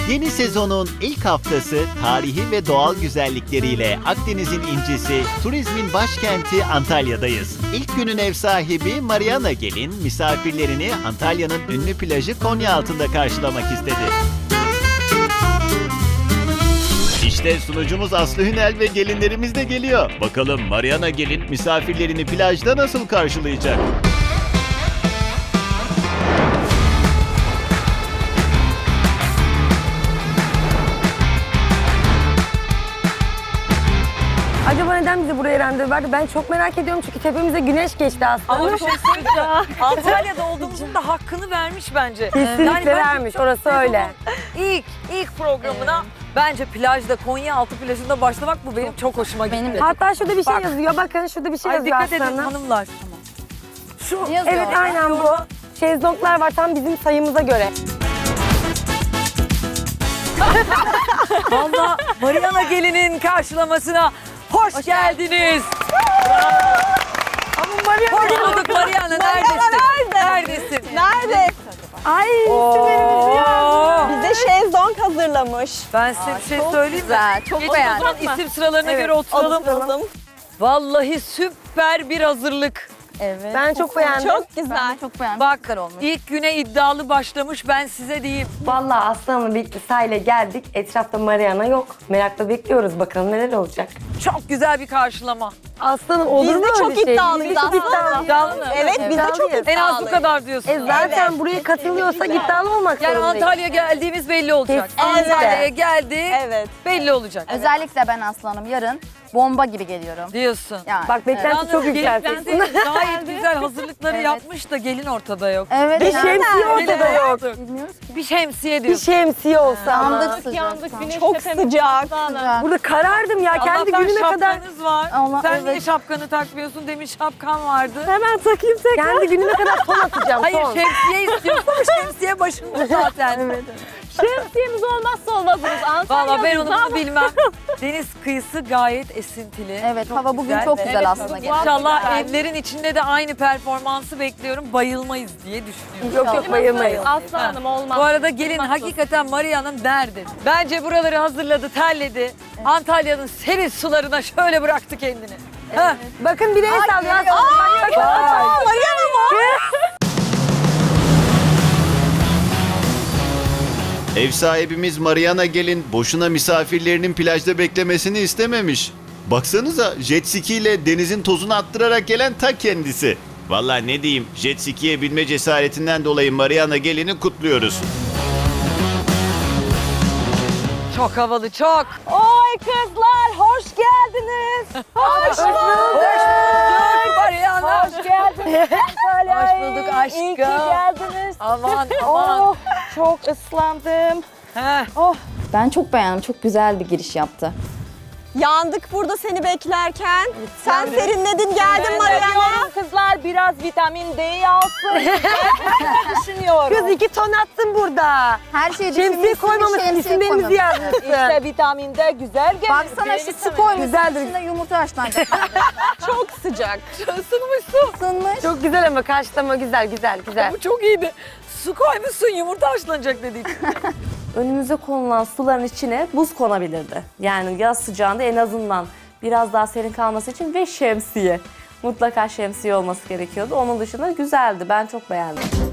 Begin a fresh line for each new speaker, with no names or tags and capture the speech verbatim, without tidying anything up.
Yeni sezonun ilk haftası tarihi ve doğal güzellikleriyle Akdeniz'in incisi, turizmin başkenti Antalya'dayız. İlk günün ev sahibi Mariana Gelin, misafirlerini Antalya'nın ünlü plajı Konyaaltı'nda karşılamak istedi. İşte sunucumuz Aslı Hünel ve gelinlerimiz de geliyor. Bakalım Mariana Gelin misafirlerini plajda nasıl karşılayacak?
Acaba neden bizi buraya randevu verdi? Ben çok merak ediyorum çünkü tepemize güneş geçti aslında.
Ama bir şey söyleyeceğim. Antalya'da olduğumuzun da hakkını vermiş bence.
Kesinlikle
Yani ben
vermiş, orası öyle.
İlk, ilk programına bence plajda, Konyaaltı plajında başlamak bu benim çok hoşuma gitti.
Benim de.
Hatta şurada bir şey
Bak.
yazıyor. Bakın şurada bir şey
Ay
yazıyor
dikkat edin
aslında.
hanımlar. Şu
Evet aynen bu. Şezlonglar var tam bizim sayımıza göre.
Valla Mariana Gelin'in karşılamasına hoş, geldiniz.
Ama Maria
Hoş bulduk Mariana. Neredesin? Neredesin?
Nerede?
Ay
Oo.
Bize şezlong hazırlamış.
Ben size bir şey söyleyeyim mi?
Güzel, çok
Geçin o
beğendim.
zaman isim sıralarına göre oturalım.
Oturalım.
Vallahi süper bir hazırlık.
Evet.
Ben çok beğendim.
Çok
Ben
güzel.
de çok beğendim.
Bak
Güzel olmuş.
ilk güne iddialı başlamış ben size diyeyim.
Vallahi Aslan'la birlikte sahile geldik. Etrafta Mariana yok. Merakla bekliyoruz bakalım neler olacak.
Çok güzel bir karşılama.
Aslanım olur
Biz
mu
de
öyle
çok
şey?
iddialıyız
Biz de çok
aslında.
iddialıyız.
İddialı mı?
Evet biz de çok
İddialıyız.
En az bu
iddialıyız.
kadar diyorsun.
E zaten buraya katılıyorsak iddialı olmak
Yani
zorundayız.
Antalya geldiğimiz belli olacak.
Kesinlikle.
Antalya'ya geldik
Evet.
belli olacak.
Özellikle ben aslanım yarın bomba gibi geliyorum.
Diyorsun.
Yani.
Bak beklenti
Yalnız
çok
gelin
yükselteceksin.
kendi gayet güzel hazırlıkları
Evet.
yapmış da gelin ortada yok.
Evet.
Bir
yani.
şemsiye ortada
Gelin
yok.
Bilmiyoruz ki.
Bir şemsiye
Bir
diyorsun.
şemsiye olsa ama.
Yandık sıcak.
Çok sıcak.
Burada karardım ya kendi
Allah'tan
günüme kadar.
şapkanız var.
Allah-
Sen
evet.
niye şapkanı takmıyorsun? Demin şapkan vardı.
Hemen takayım tekrar. Kendi günüme kadar ton atacağım
Hayır
ton.
şemsiye istiyorsun ama şemsiye başında zaten.
Şemsiyemiz olmazsa olmazımız.
Valla ben onu bilmem. Deniz kıyısı gayet esintili.
Evet,
Çok
hava bugün
güzel.
çok güzel
Evet,
aslında.
İnşallah evlerin içinde de aynı performansı bekliyorum. Bayılmayız diye düşünüyorum.
Yok yok bayılmayın.
Aslı Hanım olmaz.
Bu arada gelin hakikaten Maria'nın derdi. Bence buraları hazırladı, terledi. Antalya'nın serin sularına şöyle bıraktı kendini. Ha.
Bakın bir el sallıyor.
geliyor.
Bak, bak, bak.
Mariana mı?
Ev sahibimiz Mariana Gelin boşuna misafirlerinin plajda beklemesini istememiş. Baksanıza jet ski ile denizin tozunu attırarak gelen ta kendisi. Vallahi ne diyeyim, jet ski'ye binme cesaretinden dolayı Mariana Gelin'i kutluyoruz.
Çok havalı, çok.
Oy kızlar hoş geldiniz. Hoş bulduk.
Mariana.
Hoş geldiniz.
Hoş bulduk aşkım.
İyi ki geldiniz.
Aman aman.
Oh, çok ıslandım.
Heh.
Ben çok beğendim. Çok güzel bir giriş yaptı.
Yandık burada seni beklerken. Sen serinledin geldin Mariana.
Kızlar biraz vitamin D alsın. Düşünüyorum.
Kız iki ton attın burada.
Her şeyi
Şemsiye
düşünmüşsün,
koymamışsın,
şemsiye
isimlerimizi
koymamışsın.
yazmışsın.
İşte vitamin D güzel gelir.
Baksana şu su koymuşsun.
Güzeldir.
İçinde yumurta haşlanacak.
Çok sıcak.
Isınmışsın.
Isınmış.
Çok güzel ama karşılama güzel güzel güzel.
Bu çok iyiydi. Su koymuşsun, yumurta haşlanacak dedik.
Önümüze konulan suların içine buz konabilirdi. Yani yaz sıcağında en azından biraz daha serin kalması için ve şemsiye. Mutlaka şemsiye olması gerekiyordu. Onun dışında güzeldi. Ben çok beğendim.